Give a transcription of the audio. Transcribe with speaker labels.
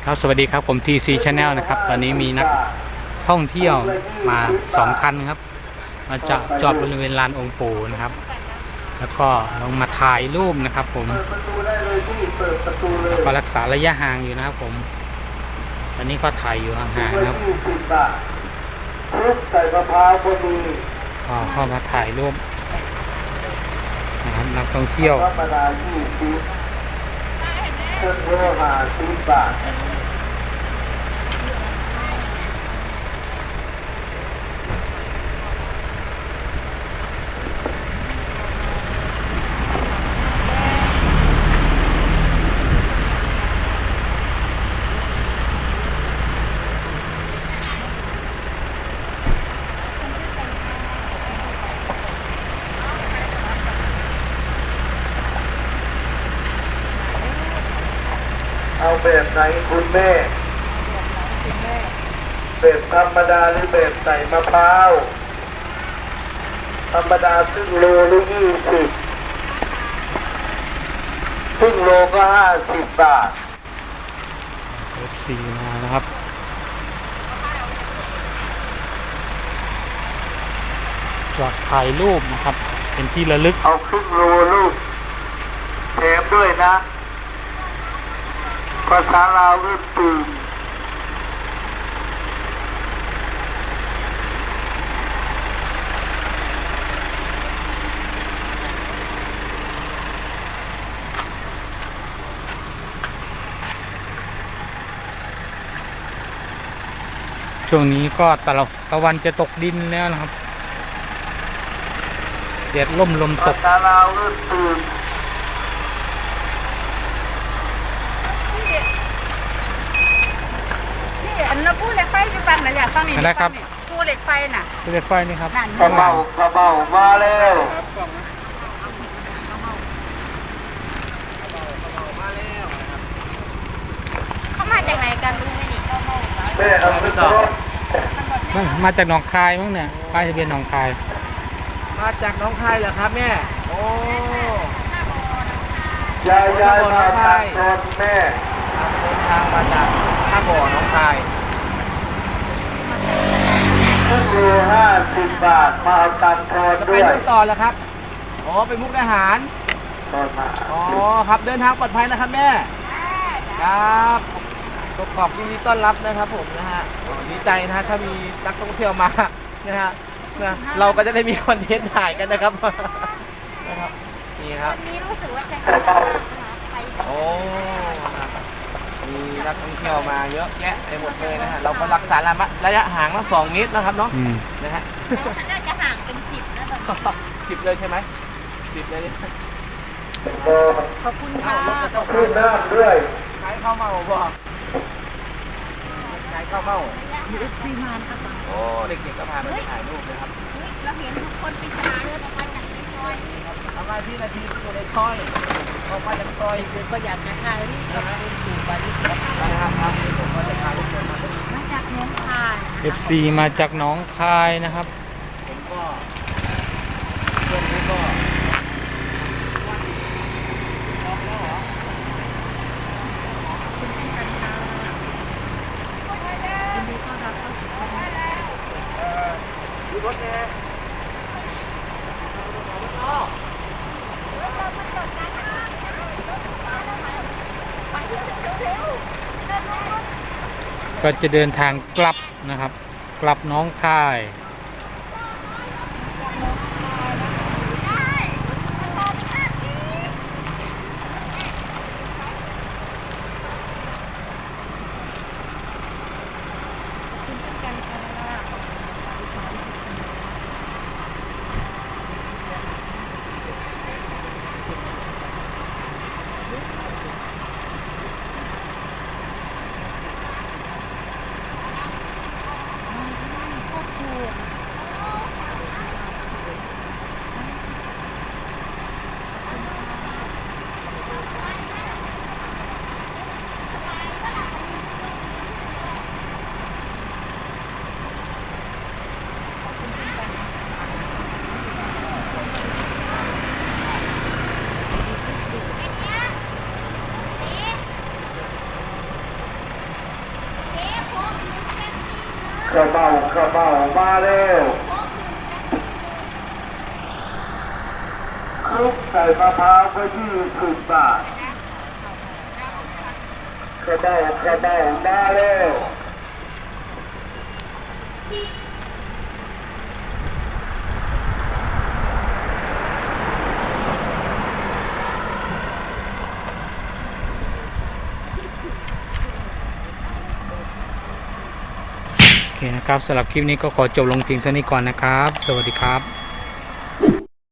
Speaker 1: ครับสวัสดีครับผม TC Channel นะครับตอนนี้มีนักท่องเที่ยวมา2 คันครับมาจอดบริเวณลานองค์ปู่นะครับแล้วก็ลงมาถ่ายรูปนะครับผมแล้วก็รักษาระยะห่างอยู่นะครับผมตอนนี้ก็ถ่ายอยู่ห่างๆนะครับก็เข้ามาถ่ายรูปนะครับนักท่องเที่ยว
Speaker 2: เอาแบบไหนคุณแม่แบบธรรมดาหรือแบบใส่มะพร้าวธรรมดาครึ่งโลหรือ20ครึ่งโลก็50 บาท
Speaker 1: FC มานะครับจอดถ่ายรูปนะครับเป็นที่ระลึก
Speaker 2: เอาครึ่งโลลูกแถมด้วยนะภาษาลาวก็ตื่น
Speaker 1: ช่วงนี้ก็ตะวันจะตกดินแล้วนะครับแดดล่มลมต
Speaker 2: ภาก ษาลาวก็ตื่น
Speaker 3: อันนั้นพูดเหล็กไฟพี่ปันนะอยากฟังนี่
Speaker 1: อะไรครับ
Speaker 3: พูดเหล็กไฟน่ะ
Speaker 1: เลือดไฟนี่ครับ
Speaker 2: กระเป๋มาแล้ว
Speaker 3: เขามาจากไหนกันรู้ไหมนี่
Speaker 2: แม่เอาไปต่อ
Speaker 1: มาจากหนองคายมั้งเนี่ยป้ายทะเบียนหนองคาย
Speaker 4: มาจากน้องคายเหรอครับแม่ โอ้
Speaker 2: ยายมาตัดตอนแม่
Speaker 4: เดินทางมาจากท่าบ่อน้องคาย
Speaker 2: ครึ่งโล50 บาทมาเอาตัดตอน
Speaker 4: จะไป
Speaker 2: ด้วย
Speaker 4: นู่นต่อแล้วครับ อ๋อไปมุกดาหาร
Speaker 2: ตอนมา
Speaker 4: อ๋อครับเดินทางปลอดภัยนะครับแม่ ครับขอบยินดีต้อนรับนะครับผมนะฮะดีใจนะฮะถ้ามีนักท่องเที่ยวมานะฮะนะเราก็จะได้มีคอนเทนต์ถ่ายกันนะครับ นะครับนี่ครับ
Speaker 3: วันนี้รู้สึกว่าจะเยอะมากนะคะไป
Speaker 4: โอ้นะครับมีนักท่องเที่ยวมาเยอะแยะไปหมดเลยนะฮะ เราก็รักษาระยะห่างละ2 เมตรนะครับเนาะ นะฮะ
Speaker 3: แล้วน่าจะห่างเป็น10นะตอนนี้
Speaker 4: 10 เลยใช่ไหม10 เลย
Speaker 3: ขอบคุณค่ะ
Speaker 2: ขึ้นน้ำด้วย
Speaker 4: ขายข้าวเมาบ่ขายข้าวเมา
Speaker 3: มีFC มานะคะ
Speaker 4: โอ้ เด็กๆก็พาไปถ่ายรูปนะครับ
Speaker 3: เฮ้ยเราเห็นทุกคนเป็นชาเดินออกมาจากในซอย
Speaker 4: ทำไมพี่นาทีอยู่ในซอยออกมาจากซอย
Speaker 3: คือก็อยากจะถ่ายรูปกับคุณปู่ปาริส
Speaker 4: นะครับผมก็จะพาทุกคนมา
Speaker 3: มาจากน้องคาย
Speaker 1: FC มาจากหนองคายนะครับ
Speaker 4: ผมก็ช่วงนี้ก็รถแน่
Speaker 1: ก็จะเดินทางกลับนะครับ กลับหน้องคาย
Speaker 2: ข้าวเม่ามาเร็วคลุกใส่มะพร้าวไป20 บาทข้าวเม่ามาเร็ว
Speaker 1: โอเคนะครับสำหรับคลิปนี้ก็ขอจบลงเพียงเท่านี้ก่อนนะครับ สวัสดีครับ